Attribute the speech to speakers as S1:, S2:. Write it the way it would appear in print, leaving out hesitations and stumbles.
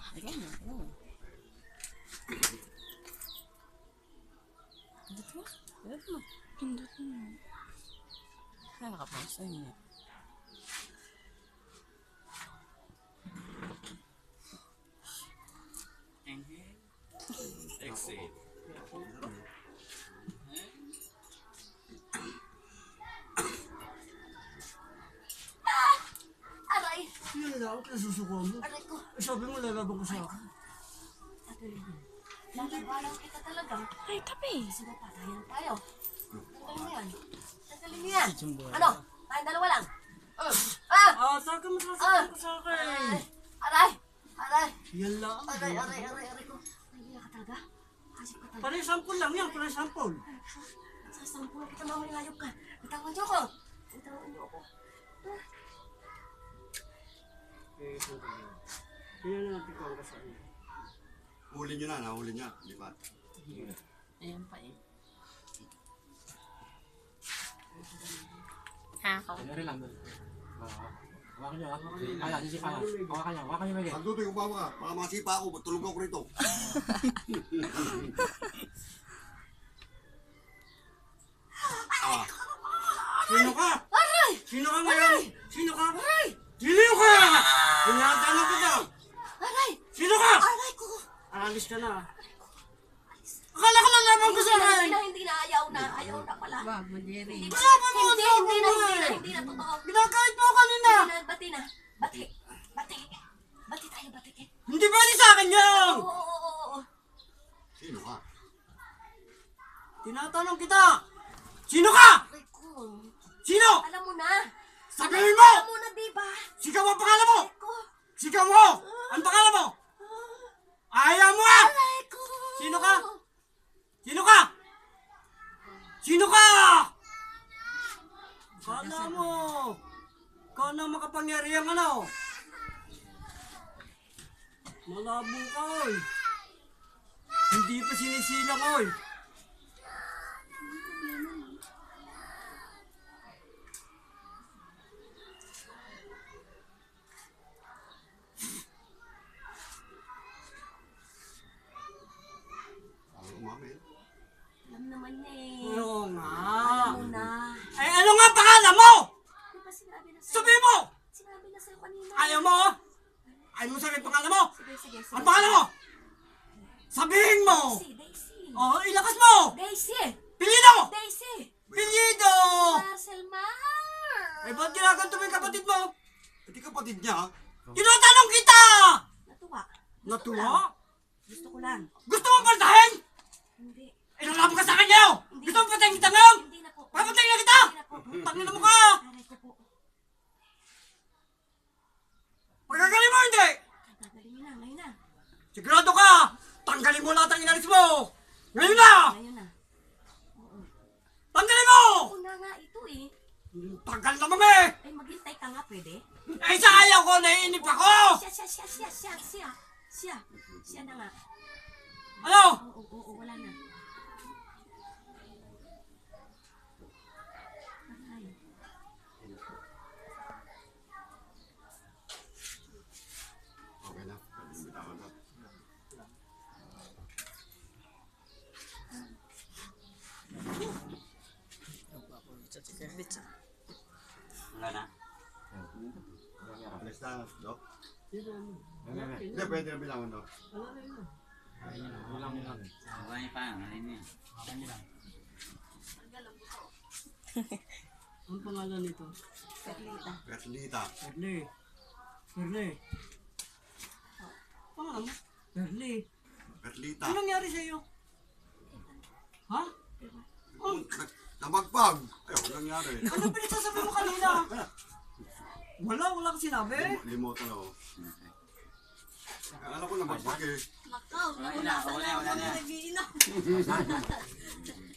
S1: Ayan na. Pindot mo. Pindot mo. Pindot mo. Ay, nakapausa yun eh.
S2: Inhale. Exhale.
S3: Aray!
S4: Yun lang, nasusuko mo.
S3: Aray ko!
S4: Sabi mo, lalaban ko sa akin.
S3: Lalabanan kita talaga.
S1: Ay, tabi.
S3: Sige pa, tayo na tayo. Tanggalin mo yan. Tanggalin mo yan. Ano? Tayong dalawa lang.
S4: Taka mo sasabihin ko sa akin.
S3: Aray! Aray!
S4: Yan lang.
S3: Aray ko. Nangiya ka talaga? Hasip ka talaga.
S4: Pare-sample lang yan, pare-sample.
S3: Sasampul kita mamaya ngayok ka. Bitawan niyo ako. Bitawan niyo ako.
S4: Yan na natin kung kasama.
S5: Huli nyo na, nahuli niya. Di ba?
S1: Ayan pa eh. Ha, ako.
S6: Dari lang doon. Hawakan nyo, ha? Kaya, sisipa yan. Hawakan nyo, Miguel.
S5: Pagduto yung bawa ka, baka masipa ako, tulog ako rito.
S4: Sino ka?
S3: Aray!
S4: Sino ka ngayon? Sino ka?
S3: Aray!
S4: Sino ka? Tinatanong kita.
S3: Aray!
S4: Sino ka?
S3: Aray ko!
S4: Alis ka na. Akala ko lalaban ko sa akin.
S3: Hindi na, ayaw na pala.
S1: Wag mo, Jerry.
S3: Hindi na, totoo.
S4: Ginagahit mo kanina.
S3: Bati na. Bati tayo, bati.
S4: Hindi pwede sa akin yan.
S3: Oo.
S5: Sino ka?
S4: Tinatanong kita. Sino ka?
S3: Aray ko.
S4: Sino?
S3: Alam mo na.
S4: Sabihin mo!
S3: Alam mo na, diba?
S4: Sigaw ang pangalan mo!
S3: Aray ko.
S4: Sigaw mo! Ang pangalan mo! Ayaw mo ah!
S3: Aray ko.
S4: Sino ka? Sino ka? Sino ka? Kala mo! Ikaw na makapangyarihan ano? Malabo ka oy! Hindi pa sinisilang oy!
S5: Ako umamin.
S3: Alam naman niya eh.
S4: Oo nga!
S3: Alam mo na.
S4: Ay ano nga pangalan mo?
S3: Di ba sinabi na sa'yo?
S4: Sabihin mo!
S3: Sinabi na sa'yo kanina.
S4: Ayaw mo? Ayaw mo sabihin pangalan mo?
S3: Sige.
S4: Ang pangalan mo? Sabihin mo!
S3: Daisy.
S4: Oh, ilakas mo!
S3: Daisy.
S4: Pilido!
S3: Daisy.
S4: Pilido!
S3: Marcel Mahar.
S4: Eh, ba't ginaganto mo yung kapatid mo?
S5: Hindi kapatid niya.
S4: Tinatanong kita!
S3: Natuwa.
S4: Natuwa?
S3: Gusto ko lang.
S4: Gusto mo paltahin?
S3: Hindi.
S4: Ilalaban ka sa akin ngayon! Gusto mo patayin kita ngayon?
S3: Hindi na po.
S4: Papatayin na kita!
S3: Hindi na po.
S4: Tangin na mo ka!
S3: Aray ko po.
S4: Pagkagaling mo hindi!
S3: Gagaling na. Ngayon na.
S4: Sigurado ka! Tanggalin mo lahat ang inalis mo! Ngayon na!
S3: Ngayon na.
S4: Tanggalin mo!
S3: Una nga ito eh.
S4: Tanggal na mga eh!
S3: Ay, maghintay ka nga pwede.
S4: Eh, sa ayaw ko, naiinip ako!
S3: Siya na nga.
S4: Ano?
S3: Oo, wala na. Aray.
S5: Okay na. Bitawan na.
S2: Wala na.
S5: Alis na, Dok. Hindi, pwede na bilangan, Dok.
S2: Marami pa. Marami yan.
S4: Ang pangalan nito?
S3: Perlita.
S5: Perlita.
S4: Perle. Pangalan mo? Perle.
S5: Perlita.
S4: Ano nangyari sa'yo? Ha?
S5: Namagpag. Ayaw, nangyari.
S4: Ano pinagsasabi mo kanina? Wala kang sinabi.
S5: Limoto na, oh. Akala ko namagpag eh.
S3: Makaw,
S2: Wala na.
S3: nag-iinom.